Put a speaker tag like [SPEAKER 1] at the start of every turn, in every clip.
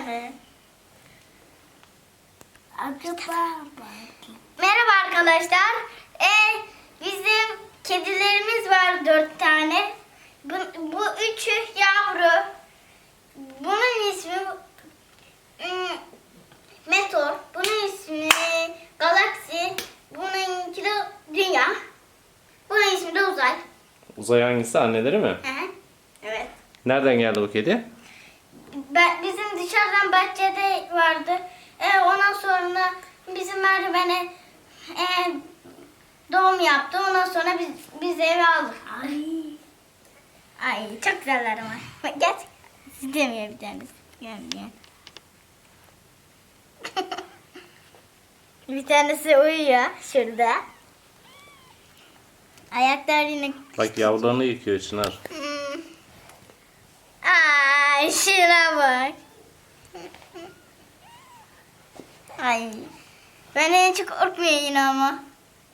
[SPEAKER 1] mi? Merhaba arkadaşlar. Bizim kedilerimiz var 4 tane. Bu üçü yavru. Bunun ismi Meteor. Bunun ismi Galaksi. Bununki de Dünya. Bunun ismi de Uzay.
[SPEAKER 2] Uzay hangisi? Anneleri mi?
[SPEAKER 1] Hı. Evet.
[SPEAKER 2] Nereden geldi bu kedi?
[SPEAKER 1] Bizim dışarıdan bahçede vardı. Ondan sonra bizim merdivene doğum yaptı. Ondan sonra biz eve aldık. Ay çok güzeller ama. Bak, gel. İstemiyor bir tanesi. Gelmiyor. Bir tanesi uyuyor şurada. Ayaklar yine...
[SPEAKER 2] Bak yavrularını yıkıyor Çınar.
[SPEAKER 1] Ay şuna bak. Ay. Ben en çok korkmuyor yine ama.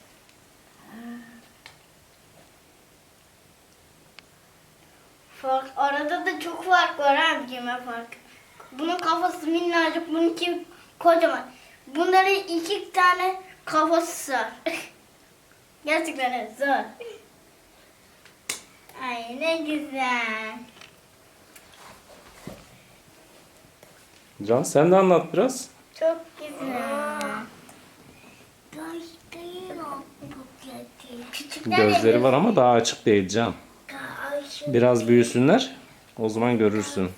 [SPEAKER 1] Arada da çok fark var abicim, fark. Bunun kafası minnacık, bununki kocaman. Bunların 2 tane kafası var. Gerçekten zor. Ay ne güzel.
[SPEAKER 2] Can sen de anlat biraz.
[SPEAKER 1] Çok güzel. Küçükler
[SPEAKER 2] Gözleri var ama daha açık değil Can. Biraz büyüsünler. O zaman görürsün.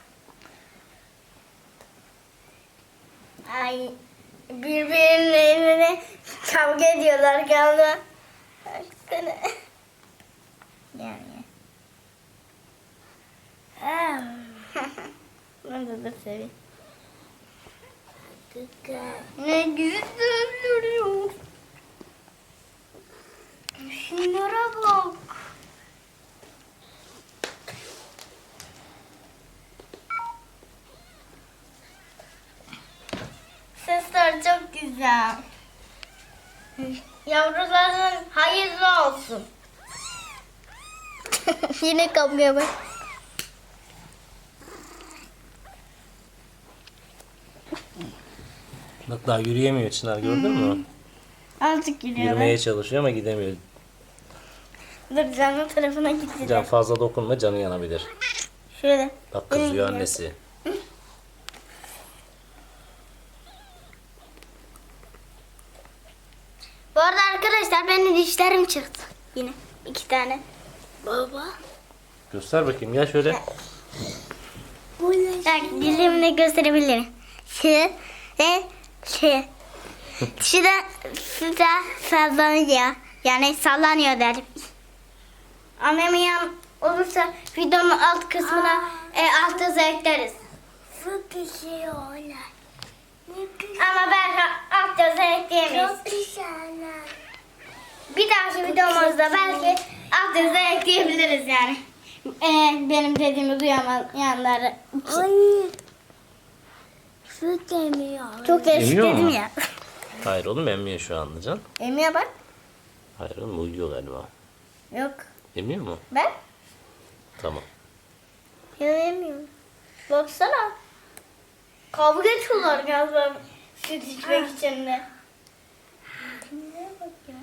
[SPEAKER 1] Ay birbirlerine kavga ediyorlar galiba. Baksana. Yani. Ben de seveyim. Ne güzel duruyor. Şunlara bak. Sesler çok güzel. Yavruların hayırlı olsun. Yine kapmaya bak.
[SPEAKER 2] Bak daha yürüyemiyor Çınar, gördün mü?
[SPEAKER 1] Azıcık yürüyor.
[SPEAKER 2] Yürümeye çalışıyor ama gidemiyor.
[SPEAKER 1] Dur canın tarafına gideceğim.
[SPEAKER 2] Can fazla dokunma, canı yanabilir.
[SPEAKER 1] Şöyle.
[SPEAKER 2] Bak kızıyor annesi.
[SPEAKER 1] Bu arada arkadaşlar benim dişlerim çıktı. Yine 2 tane. Baba.
[SPEAKER 2] Göster bakayım, gel şöyle.
[SPEAKER 1] Bak dilimle gösterebilirim. Şu ve şu. Şu da sallanıyor. Yani sallanıyor derim. Annemin yan olursa videonun alt kısmına alt yazı ekleriz.
[SPEAKER 3] Çok güzel oğlan.
[SPEAKER 1] Ama belki alt yazı ekleyemeyiz.
[SPEAKER 3] Çok güzeller.
[SPEAKER 1] Bir dahaki videomuzda belki alt yazı ekleyebiliriz yani. Benim dediğimi duyamayanlar için.
[SPEAKER 3] Ay. Süt emiyor.
[SPEAKER 1] Çok değişik
[SPEAKER 2] Emiyor
[SPEAKER 1] dedim
[SPEAKER 2] mu?
[SPEAKER 1] ya.
[SPEAKER 2] Hayır oğlum, emmiyor şu anda Can.
[SPEAKER 1] Emiyor bak.
[SPEAKER 2] Hayır oğlum, uyuyor galiba.
[SPEAKER 1] Yok.
[SPEAKER 2] Emiyor mu?
[SPEAKER 1] Ben?
[SPEAKER 2] Tamam.
[SPEAKER 1] Ya emiyor. Baksana. Kavga ediyorlar galiba süt içmek için de.
[SPEAKER 3] Ne bakıyor?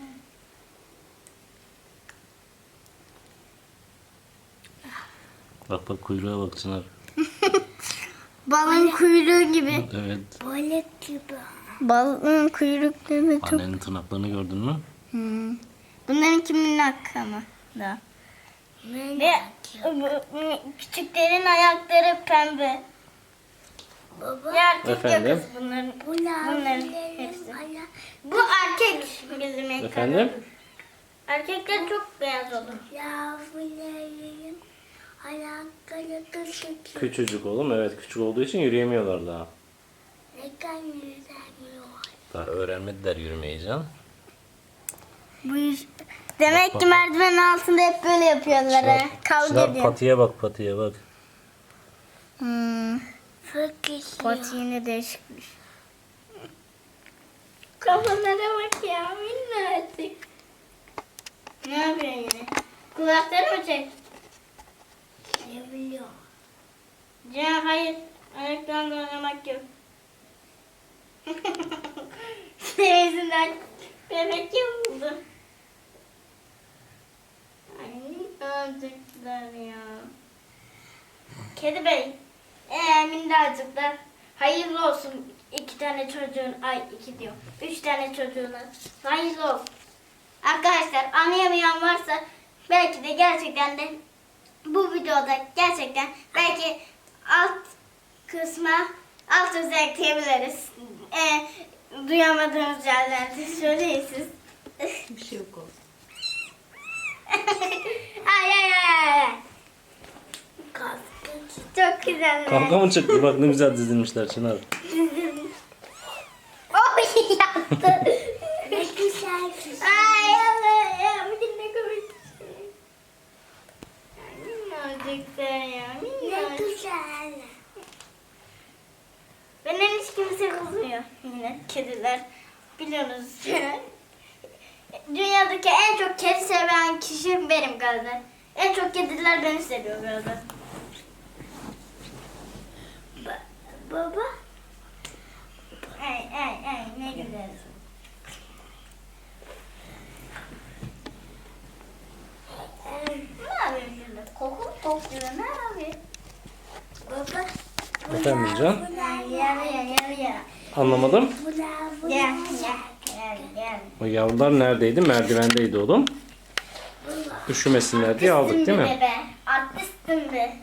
[SPEAKER 2] Bak bak kuyruğa bak Çınar.
[SPEAKER 1] Balın kuyruğu gibi.
[SPEAKER 2] Evet.
[SPEAKER 3] Balık gibi.
[SPEAKER 1] Balın kuyrukları çok...
[SPEAKER 2] Annenin tırnaklarını gördün mü?
[SPEAKER 1] Bunların kimin hakkı ama da.
[SPEAKER 3] Ne
[SPEAKER 1] Ve küçüklerin ayakları pembe.
[SPEAKER 3] baba?
[SPEAKER 1] Ya erkek ya
[SPEAKER 2] Efendim?
[SPEAKER 1] kız bunların.
[SPEAKER 3] Bunların
[SPEAKER 1] hepsi.
[SPEAKER 3] hala
[SPEAKER 1] Bu erkek bizim ekranımız.
[SPEAKER 2] Efendim?
[SPEAKER 1] Erkekler çok beyaz olur.
[SPEAKER 3] yavruların ayakları küçük.
[SPEAKER 2] Küçücük oğlum, evet, küçük olduğu için yürüyemiyorlar daha.
[SPEAKER 3] Neden yüzemiyor?
[SPEAKER 2] Daha öğrenmediler yürümeyi Can.
[SPEAKER 1] Demek
[SPEAKER 2] Bak,
[SPEAKER 1] ki
[SPEAKER 2] bak.
[SPEAKER 1] merdivenin altında hep böyle yapıyorlar. ha. Kavga
[SPEAKER 2] Çınar
[SPEAKER 1] ediyor.
[SPEAKER 2] patiye bak, patiye bak.
[SPEAKER 3] Çok güzel.
[SPEAKER 1] Pati yine değişikmiş. Kafalara bak ya, minnacık. Ne yapıyor yine? Kulakları mı çek?
[SPEAKER 3] Ne biliyor?
[SPEAKER 1] Can hayır. Ayaklarla oynamak yok. Senin yüzünden bebek yapıldı. Ay minnacıklar ya. Kedi bey. Minnacıklar. Hayırlı olsun 2 tane çocuğun. Ay 2 diyor. 3 tane çocuğuna. Hayırlı olsun. Arkadaşlar anlayamayan varsa belki de gerçekten de bu videoda gerçekten belki alt kısma alt yazı ekleyebiliriz. Duyamadığınız yerlerde söyleyin siz.
[SPEAKER 4] Bir şey yok olsun.
[SPEAKER 1] Ay ay ay ay. Çok güzel.
[SPEAKER 2] Kavga mı çıktı? Bak ne güzel dizilmişler Çınar.
[SPEAKER 1] Oy yaptı.
[SPEAKER 3] Ne güzel kız.
[SPEAKER 1] Ay Allah ya. Bir de ne komik. Minnacıklar ya.
[SPEAKER 3] Ne
[SPEAKER 1] Minnacık.
[SPEAKER 3] güzel.
[SPEAKER 1] Benden hiç kimse kızmıyor yine kediler. Biliyorsunuz. Dünyadaki en çok kedi seven kişi benim galiba. En çok kediler beni seviyor galiba.
[SPEAKER 3] Baba.
[SPEAKER 1] Ay ne güzel. Ne yapayım şimdi? Koku mu topluyor? Ne yapayım?
[SPEAKER 3] Baba.
[SPEAKER 2] Efendim Can?
[SPEAKER 1] Ya.
[SPEAKER 2] Anlamadım.
[SPEAKER 1] Gel.
[SPEAKER 2] O yavrular neredeydi? Merdivendeydi oğlum. Üşümesinler diye aldık değil mi?
[SPEAKER 1] Bebe. Artistim be.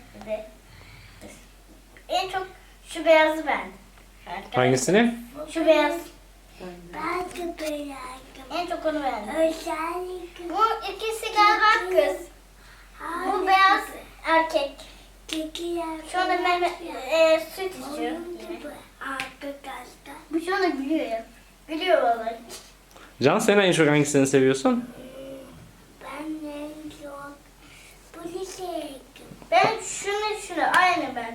[SPEAKER 1] En çok şu beyazı ben.
[SPEAKER 2] Hangisini?
[SPEAKER 1] Şu beyaz.
[SPEAKER 3] Ben de beğendim.
[SPEAKER 1] En çok onu beğendim.
[SPEAKER 3] Özellikle.
[SPEAKER 1] Bu ikisi galiba kız. Bu beyaz erkek. Şu anda Mehmet süt içiyor.
[SPEAKER 3] Arkadaşlar.
[SPEAKER 1] Bu şu anda gülüyor ya. Gülüyor vallahi.
[SPEAKER 2] Can sen en çok hangisini seviyorsun?
[SPEAKER 3] Ben en çok bunu sevdim.
[SPEAKER 1] Ben şunu aynı ben.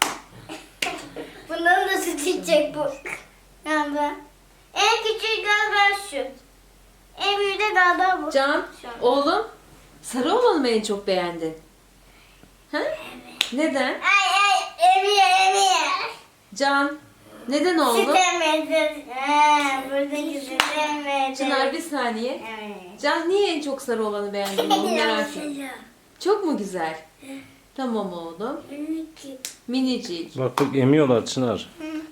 [SPEAKER 1] Bundan da süt içecek bu. Yani ben. En küçüğü galiba şu. En büyüğü de galiba bu.
[SPEAKER 4] Can,
[SPEAKER 1] Şu an.
[SPEAKER 4] oğlum, sarı olanı mı en çok beğendin? Ha? Neden?
[SPEAKER 1] Ay emiyor.
[SPEAKER 4] Can, neden
[SPEAKER 1] Süt
[SPEAKER 4] oğlum?
[SPEAKER 1] emedi. Buradaki süt emedi.
[SPEAKER 4] Çınar bir saniye.
[SPEAKER 1] Evet.
[SPEAKER 4] Can niye en çok sarı olanı beğendin oğlum merak ettim. Çok mu güzel? Tamam oğlum. Minicik.
[SPEAKER 2] Bak emiyorlar Çınar.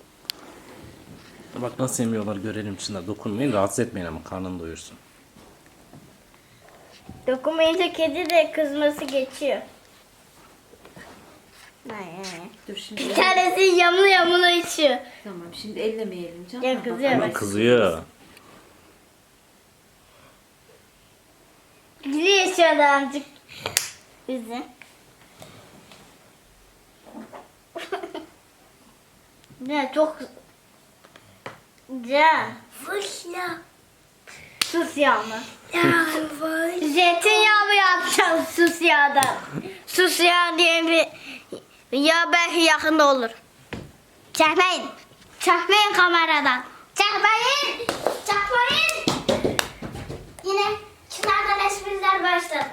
[SPEAKER 2] Bak nasıl emiyorlar görelim Çınar. Dokunmayın, rahatsız etmeyin ama karnını doyursun.
[SPEAKER 1] Dokunmayınca kedi de kızması geçiyor.
[SPEAKER 4] Dur şimdi.
[SPEAKER 1] Bir tanesi yamulu içiyor.
[SPEAKER 4] Tamam şimdi ellemeyelim Can.
[SPEAKER 1] Ya
[SPEAKER 4] Ha,
[SPEAKER 1] kızıyor.
[SPEAKER 4] bak.
[SPEAKER 2] Ama kızıyor.
[SPEAKER 1] Gülüyor şu adamcık. Bizi. Ne çok... Can.
[SPEAKER 3] Fışla.
[SPEAKER 1] Sus yağını.
[SPEAKER 3] Yavrum.
[SPEAKER 1] Zeytinyağı mı yapacağım sus yağdan? Sus yağı diye bir yağ belki yakında olur. Çekmeyin. Çekmeyin kameradan. Çekmeyin. Çekmeyin. Yine Çınar'dan espriler başladı.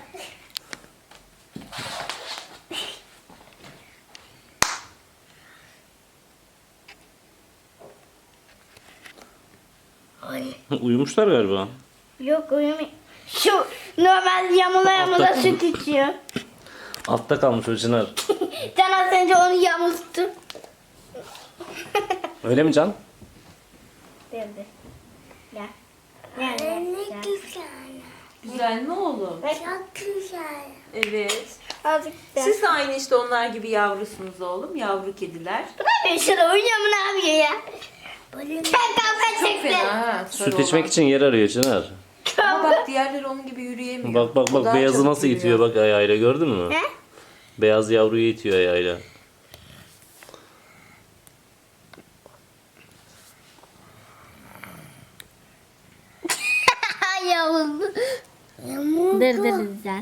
[SPEAKER 2] Uyumuşlar galiba.
[SPEAKER 1] Yok uyumuyor. Şu normal yamula
[SPEAKER 2] Altta-
[SPEAKER 1] süt içiyor.
[SPEAKER 2] Altta kalmış o Çınar.
[SPEAKER 1] Can az önce onu yamulttu.
[SPEAKER 2] Öyle mi Can?
[SPEAKER 1] Dedi. Gel.
[SPEAKER 3] Ne
[SPEAKER 1] Gel.
[SPEAKER 3] güzel.
[SPEAKER 4] Güzel mi oğlum?
[SPEAKER 3] Çok güzel.
[SPEAKER 4] Evet.
[SPEAKER 1] Azıcık da.
[SPEAKER 4] Siz de aynı işte onlar gibi yavrusunuz oğlum. Yavru kediler.
[SPEAKER 1] Ne yapıyor şurada? Uyuyor mu ne yapıyor ya?
[SPEAKER 3] Bunu
[SPEAKER 1] Sen kavga
[SPEAKER 4] Çok
[SPEAKER 1] çektin.
[SPEAKER 4] fena ha. sarı
[SPEAKER 2] Süt içmek
[SPEAKER 4] olan.
[SPEAKER 2] için yer arıyor Çınar.
[SPEAKER 4] Ama bak diğerleri onun gibi yürüyemiyor.
[SPEAKER 2] Bak bak
[SPEAKER 4] O
[SPEAKER 2] bak
[SPEAKER 4] daha
[SPEAKER 2] beyazı
[SPEAKER 4] çok
[SPEAKER 2] nasıl
[SPEAKER 4] yürüyor.
[SPEAKER 2] itiyor bak ayağıyla gördün mü?
[SPEAKER 1] He?
[SPEAKER 2] Beyaz yavruyu itiyor ayağıyla.
[SPEAKER 1] Yavuz.
[SPEAKER 3] yamuk.
[SPEAKER 1] güzel.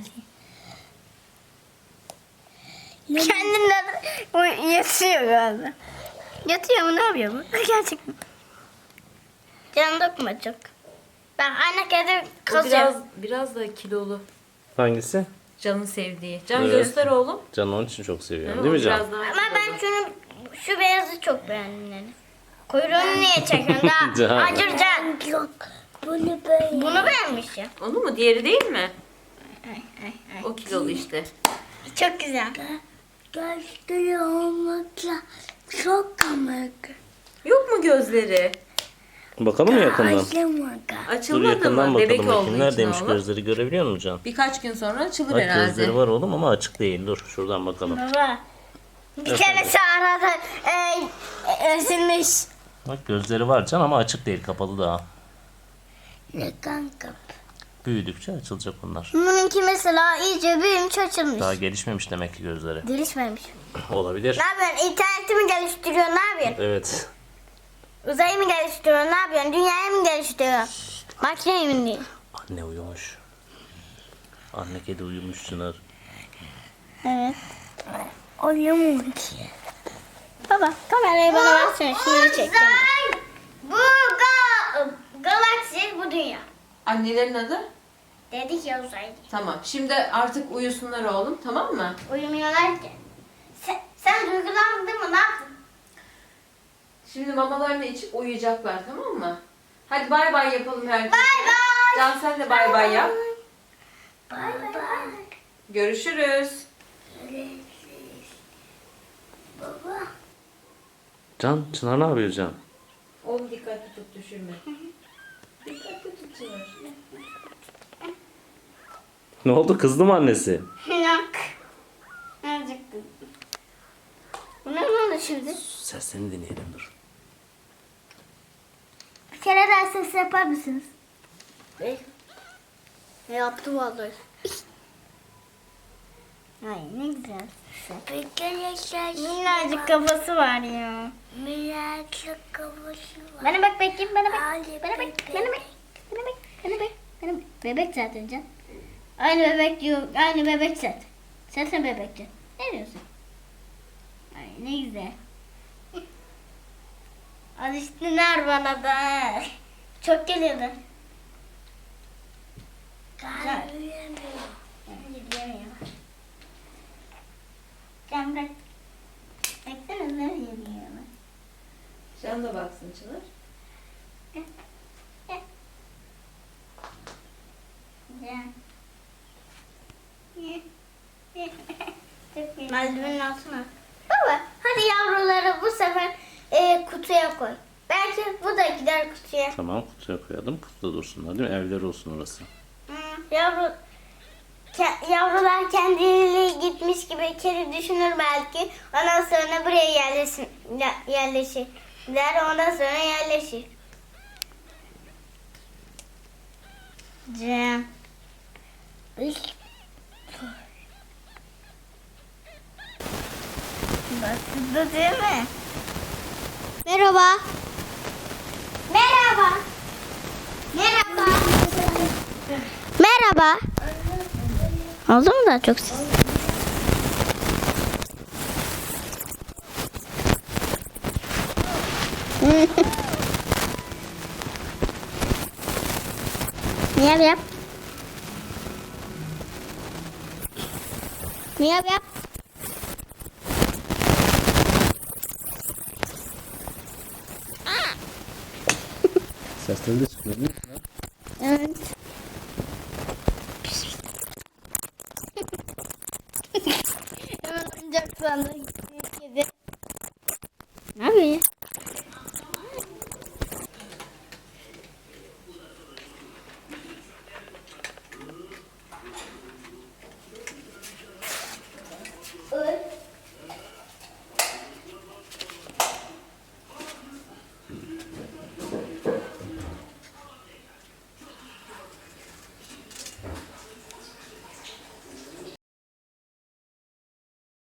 [SPEAKER 1] Kendinden yatıyor galiba. Yatıyor mu ne yapıyor bu? Gerçekten. Can dokma çok. Bak anne kedi
[SPEAKER 4] O
[SPEAKER 1] kazıyor.
[SPEAKER 4] biraz da kilolu.
[SPEAKER 2] Hangisi?
[SPEAKER 4] Can'ın sevdiği. Can
[SPEAKER 2] Evet.
[SPEAKER 4] göster oğlum.
[SPEAKER 2] Can onun için çok seviyorum
[SPEAKER 4] Değil
[SPEAKER 2] değil mi
[SPEAKER 4] O
[SPEAKER 2] Can?
[SPEAKER 4] biraz daha
[SPEAKER 1] Ama ben
[SPEAKER 4] kilolu.
[SPEAKER 1] şunu Şu beyazı çok beğendim yani. Kuyruğunu niye çekiyorsun? Daha
[SPEAKER 2] Can.
[SPEAKER 1] acıracaksın.
[SPEAKER 3] Yok. Bunu böyle.
[SPEAKER 1] Bunu beğenmiş ya.
[SPEAKER 4] Onu mu? Diğeri değil mi?
[SPEAKER 1] Ay.
[SPEAKER 4] O kilolu işte.
[SPEAKER 1] Çok güzel.
[SPEAKER 3] Gözleri olmakla çok komik.
[SPEAKER 4] Yok mu gözleri?
[SPEAKER 2] Bakalım mı yakından?
[SPEAKER 3] Acımadı.
[SPEAKER 2] Dur
[SPEAKER 4] Açılmadı
[SPEAKER 2] yakından
[SPEAKER 4] mı? Bebek
[SPEAKER 2] bakalım bakayım.
[SPEAKER 4] olduğu
[SPEAKER 2] Neredeymiş
[SPEAKER 4] için oğlum.
[SPEAKER 2] gözleri görebiliyor musun Can?
[SPEAKER 4] Birkaç gün sonra açılır
[SPEAKER 2] Bak
[SPEAKER 4] herhalde.
[SPEAKER 2] gözleri var oğlum ama açık değil. Dur şuradan bakalım.
[SPEAKER 1] Baba. Bir
[SPEAKER 2] Efendim?
[SPEAKER 1] tanesi arada ezilmiş.
[SPEAKER 2] Bak gözleri var Can ama açık değil. Kapalı daha.
[SPEAKER 3] Ne kanka?
[SPEAKER 2] Büyüdükçe açılacak onlar.
[SPEAKER 1] Bununki mesela iyice büyümüş açılmış.
[SPEAKER 2] Daha gelişmemiş demek ki gözleri.
[SPEAKER 1] Gelişmemiş.
[SPEAKER 2] Olabilir.
[SPEAKER 1] Ne yapıyorsun? İnterneti mi geliştiriyorsun? Ne yapıyorsun?
[SPEAKER 2] Evet.
[SPEAKER 1] Uzayı mı geliştiriyorsun? Ne yapıyorsun? Dünyayı mı geliştiriyorsun? Makineyi mi değil?
[SPEAKER 2] Anne uyumuş. Anne kedi uyumuş Çınar.
[SPEAKER 1] Evet.
[SPEAKER 3] Oyun ki.
[SPEAKER 1] Baba kamerayı bana versene. Şunları çekeceğim. Bu galaksi, bu dünya.
[SPEAKER 4] Annelerin adı?
[SPEAKER 1] Dedik ya uzay.
[SPEAKER 4] Tamam. Şimdi artık uyusunlar oğlum. Tamam mı?
[SPEAKER 1] Uyumuyorlar ki. Sen duygulandın mı? Ne yaptın?
[SPEAKER 4] Şimdi mamalarını içip uyuyacaklar, tamam mı? Hadi bay bay yapalım herkese.
[SPEAKER 1] Bay bay.
[SPEAKER 4] Can sen de bay bay yap.
[SPEAKER 3] Bay bay.
[SPEAKER 4] Görüşürüz.
[SPEAKER 3] Baba.
[SPEAKER 2] Can, Çınar ne yapıyor Can?
[SPEAKER 4] Oğlum dikkatli tut, düşürme. Dikkatli tut Çınar.
[SPEAKER 2] Ne oldu, kızdı mı annesi?
[SPEAKER 1] Yok. Azıcık kızdım. Buna ne oldu şimdi?
[SPEAKER 2] Seslerini dinleyelim dur.
[SPEAKER 1] Bir kere daha ses yapar mısınız? Yaptı vallahi. Ay ne güzel.
[SPEAKER 3] Arkadaşlar.
[SPEAKER 1] Minnacık kafası var ya.
[SPEAKER 3] Minnacık kafası var.
[SPEAKER 1] Bana bak bakayım, bana bak.
[SPEAKER 3] Hadi
[SPEAKER 1] Bana bak,
[SPEAKER 3] bebek.
[SPEAKER 1] bana bak. Bana bak, bana bak. Bana bak. Bebek zaten Can. Aynı bebek diyor, aynı bebek zaten. Sen bebekti. Ne diyorsun? Ay ne güzel. Alıştılar bana da. Çok geliyordu.
[SPEAKER 3] Kalbiyemiyor.
[SPEAKER 1] Gidemiyor. Can bırak. Baksana ne geliyor.
[SPEAKER 4] Can da baksın Çınar.
[SPEAKER 1] Can. Merdivenin altına. Baba hadi yavruları bu sefer kutuya koy. Belki bu da gider kutuya.
[SPEAKER 2] Tamam, kutuya koyalım. Kutuda dursunlar değil mi? Evleri olsun orası.
[SPEAKER 1] Yavrular kendileri gitmiş gibi kedi düşünür belki. Ondan sonra buraya yerleşirler. Ondan sonra yerleşir. Cem. Baktı değil mi? Merhaba. Merhaba. Merhaba. Merhaba. Oldu mu daha çok ses? Miyav yap. Miyav yap.
[SPEAKER 2] Sesleri de çıkıyor değil mi?
[SPEAKER 1] Evet. Hemen oyuncak sandığı kedi. Ne yapıyor ya?